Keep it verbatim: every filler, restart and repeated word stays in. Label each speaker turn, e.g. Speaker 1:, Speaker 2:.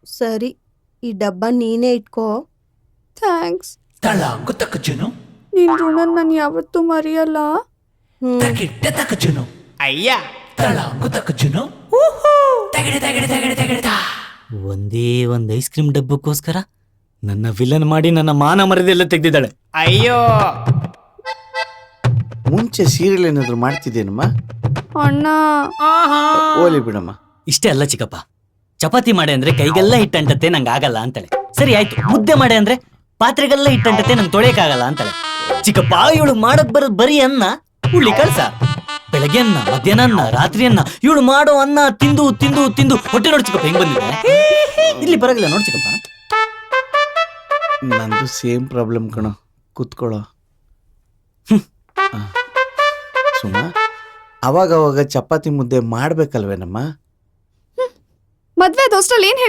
Speaker 1: ಸರಿ, ಈ ಡಬ್ಬ ನೀನೇ ಇಟ್ಕೋ.
Speaker 2: ಥ್ಯಾಂಕ್ಸ್.
Speaker 3: ತಳಾಂಗು ತಕಚುನು
Speaker 2: ನಿನ್ ಋಣ ನಾನು ಯಾವತ್ತೂ ಮರೆಯಲ್ಲ.
Speaker 3: ತಗಿಟ್ಟ ತಕಚುನು ಅಯ್ಯ ತಳಾಂಗು ತಕಚುನು ತಗಡೆ ತಗಡೆ ತಗಡೆ ತಗಡೆ.
Speaker 4: ಒಂದೇ ಒಂದ್ ಐಸ್ ಕ್ರೀಮ್ ಡಬ್ಬಕ್ಕೋಸ್ಕರ ನನ್ನ ವಿಲನ್ ಮಾಡಿ ನನ್ನ ಮಾನ ಮರ್ಯಾದೆಲ್ಲ ತೆಗ್ದಿದ್ದಾಳೆ.
Speaker 3: ಅಯ್ಯೋ
Speaker 5: ಮುಂಚೆ ಸೀರಿಯಲ್ ಏನಾದ್ರು ಮಾಡ್ತಿದ್ದೇನಮ್ಮ?
Speaker 2: ಅಣ್ಣ
Speaker 5: ಓಲಿ ಬಿಡಮ್ಮ.
Speaker 4: ಇಷ್ಟೇ ಅಲ್ಲ ಚಿಕ್ಕಪ್ಪ, ಚಪಾತಿ ಮಾಡೆ ಅಂದ್ರೆ ಕೈಗೆಲ್ಲ ಹಿಟ್ಟಂಟತ್ತೆ ನಂಗೆ ಆಗಲ್ಲ ಅಂತಾಳೆ. ಸರಿ ಆಯ್ತು, ಮುದ್ದೆ ಮಾಡೆ ಅಂದ್ರೆ ಪಾತ್ರೆಗೆಲ್ಲ ಹಿಟ್ಟಂಟತ್ತೆ ನಂಗೆ ತೊಳೆಯಕ್ಕಾಗಲ್ಲ ಅಂತಾಳೆ. ಚಿಕ್ಕಪ್ಪ ಇವಳು ಮಾಡಕ್ ಬರೋದ್ ಬರೀ ಅನ್ನ ಹುಳ್ಳಿ ಕಳ್ಸ. ಬೆಳಗ್ಗೆ ಅನ್ನ, ಮಧ್ಯಾಹ್ನ ಅನ್ನ, ರಾತ್ರಿ ಅನ್ನ. ಇವಳು ಮಾಡೋ ಅನ್ನ ತಿಂದು ತಿಂದು ತಿಂದು ಹೊಟ್ಟೆ ನೋಡ್ ಚಿಕ್ಕಪ್ಪ ಹೆಂಗ್ ಬಂದಿದೆ. ಇಲ್ಲಿ ಬರಗಿಲ್ಲ ನೋಡ್ ಚಿಕ್ಕಪ್ಪ.
Speaker 5: ನಂದು ಸೇಮ್ ಪ್ರಾಬ್ಲಮ್ ಕಣೋ, ಕೂತ್ಕೊಳ್ಳೋ. ಸುಮ್ಮ ಅವಾಗ ಅವಾಗ ಚಪಾತಿ ಮುದ್ದೆ ಮಾಡ್ಬೇಕಲ್ವೇನಮ್ಮ?
Speaker 2: ಮದ್ವೆ ದೋಸ್ಟಲ್ಲಿ ಏನ್